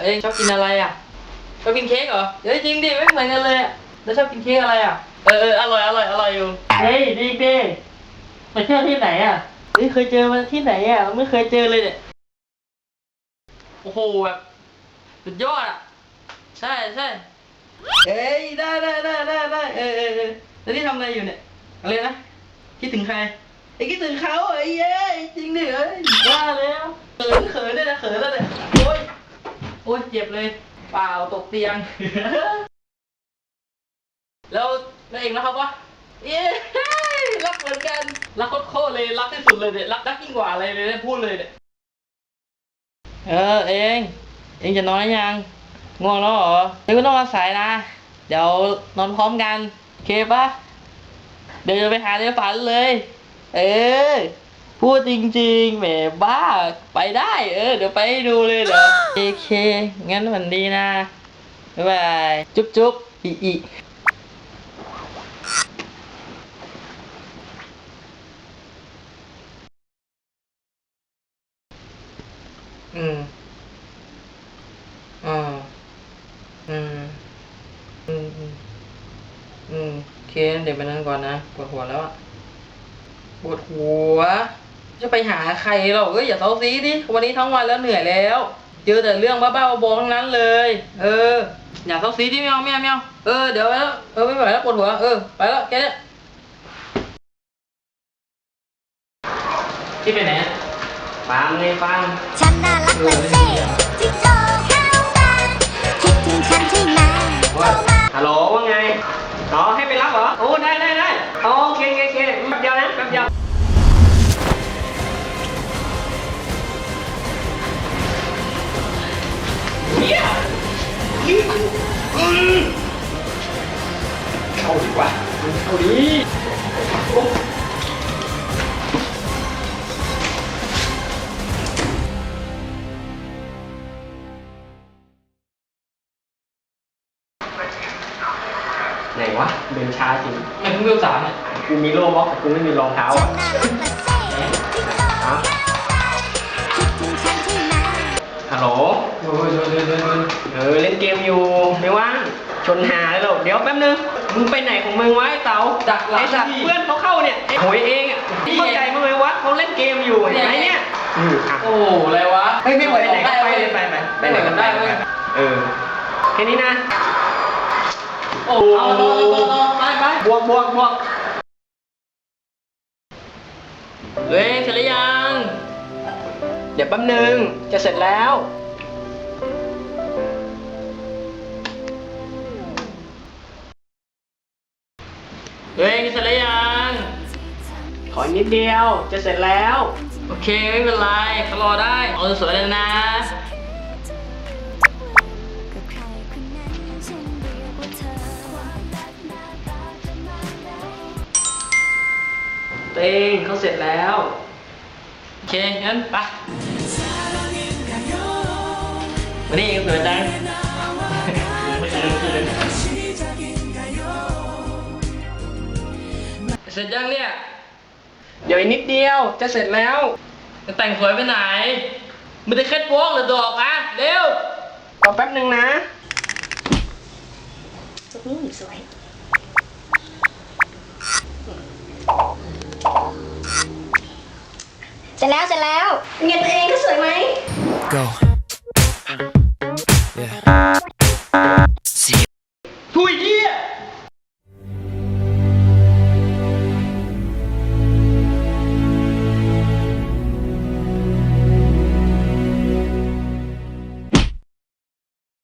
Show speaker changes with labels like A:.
A: องชอบกินอะไรอ่ะชอบกินเค้กเหรอเฮ้ยจริงดิไม่เหมือนกันเลยแล้วชอบกินเค้กอะไรอ่ะอร่อยอยู่เฮ้ยดิไปเที่ยวที่ไหนอ่ะเฮ้ยเคยเจอมันที่ไหนอ่ะไม่เคยเจอเลยเนี่ยโอ้โหแบบสุดยอดอ่ะใช่เอ้ยได้แล้วนี่ทำอะไรอยู่เนี่ยอะไรนะคิดถึงใครไอ้คิดถึงเขาไอ้เย้จริงดิว่าแล้วเขินด้วยนะเขินแล้วเนี่ยโอ้ยเจ็บเลยเปล่าตกเตียงแล้วเองนะครับวะเย้รักเหมือนกันรักโคตรเลยรักที่สุดเลยเนี่ยรักยิ่งกว่าอะไรเลยพูดเลยเนี่ยเองจะนอนยังง่วงแล้วเหรอเองก็ต้องมาสายนะเดี๋ยวนอนพร้อมกันโอเคปะเดี๋ยวจะไปหาในฝันเลยพูดจริงๆแหมบ้าไปได้เดี๋ยวไปดูเลยเดี๋ยวโอเคงั้นวันดีนะบ๊ายบายจุ๊บอีอืมโอเคเดี๋ยวไปนั่งก่อนนะปวดหัวแล้วอะปวดหัวจะไปหาใครเราอย่าเซาซีดิวันนี้ทั้งวันแล้วเหนื่อยแล้วเจอแต่เรื่องบ้าๆบอๆทั้งนั้นเลยอย่าเซาซีดิไม่เอาเดี๋ยวไปแล้วไม่ไหวแล้วปวดหัวไปแล้วแกเนี่ยที่ไปไหนฟัง
B: ฉันน่ารักเลยสิจิงโจ้ข้าวตาคิดถึงฉันใช่ไหมโทรมา
C: ฮัลโหลว่าไงให้ไปรับเหรอโอ้ได้โอเคแป๊บเดียวนะแป๊บเดียวเข้าดีกว่าเข้าดีไหนวะเดินช้าจริง
A: ไม่เพิ่งเวล3เนี่ย
C: กูมีโล่บล็อกแต่กูไม่มีรองเท้า
B: ฉั
C: อ่ะ
B: นน่ารักเลยสิจิงโจ้ข้าวตาคิดถึงฉันใช่ไหม
C: ฮัลโหลเล่นเกมอยู่ไม่ว่างชนหาเลยหรอกเดี๋ยวแป๊บนึงมึงไปไหนของมึงวะไอ้เต๋าไอ้สัตว์เพื่อนเขาเข้าเนี่ยไอ้หวยเองอ่ะเข้าใจมั้ยวะเขาเล่นเกมอยู่ไอ้เนี่ย
A: โอ้อะไรวะ
C: ไม่ไหวไหนก็ไปเลยไปไหนกันได้แค่นี้นะ
A: โอ้เอาไป
C: บวก
A: เสร็จหรือยัง
C: เดี๋ยวแป๊บนึงจะเสร็จแล้ว
A: เสร็จหรือยัง
C: ขอนิดเดียวจะเสร็จแล้ว
A: โอเคไม่เป็นไรเขารอได้เอาสวยเลยนะ
C: เต้งเขาเสร็จแล้ว
A: โอเคงั้นไปวันนี้สวยจังเสร็จยังเนี่ย
C: เดี๋ยวอีกนิดเดียวจะเสร็จแล้ว
A: จะแต่งสวยไปไหนมันจะแค่โป๊กหรือดอกอะเร็ว
C: รอแป๊บนึงนะ
B: สวยเสร็จแล้วเงินตัวเองก็สวยไหม
D: Go